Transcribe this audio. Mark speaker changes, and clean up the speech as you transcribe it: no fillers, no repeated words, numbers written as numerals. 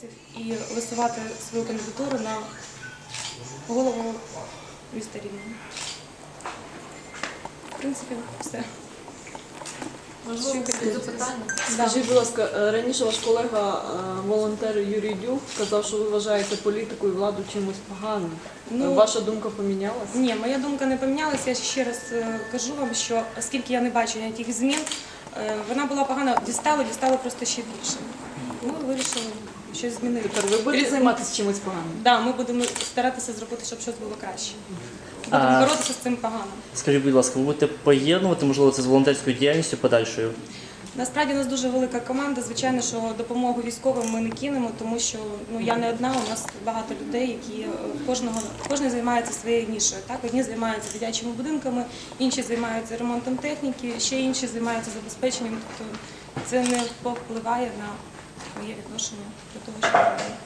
Speaker 1: І висувати свою кандидатуру на голову міста Рівного. В принципі, все.
Speaker 2: Можливо, запитання?
Speaker 3: Скажіть, будь ласка, раніше ваш колега, волонтер Юрій Дюк, казав, що ви вважаєте політику і владу чимось поганим. Ваша думка помінялася?
Speaker 1: Ні, моя думка не помінялася. Я ще раз кажу вам, що оскільки я не бачу ніяких змін, вона була погана, дістало просто ще більше. Ми вирішили щось змінити.
Speaker 3: Тепер ви будете займатися чимось поганим?
Speaker 1: Так, ми будемо старатися зробити, щоб щось було краще. Будемо боротися з цим поганим.
Speaker 4: Скажіть, будь ласка, ви будете поєднувати, можливо, це з волонтерською діяльністю подальшою?
Speaker 1: Насправді у нас дуже велика команда. Звичайно, що допомогу військовим ми не кинемо, тому що я не одна, у нас багато людей, які кожен займається своєю нішою. Так? Одні займаються дитячими будинками, інші займаються ремонтом техніки, ще інші займаються забезпеченням. Тобто це не повпливає на моє відношення до того, що робити.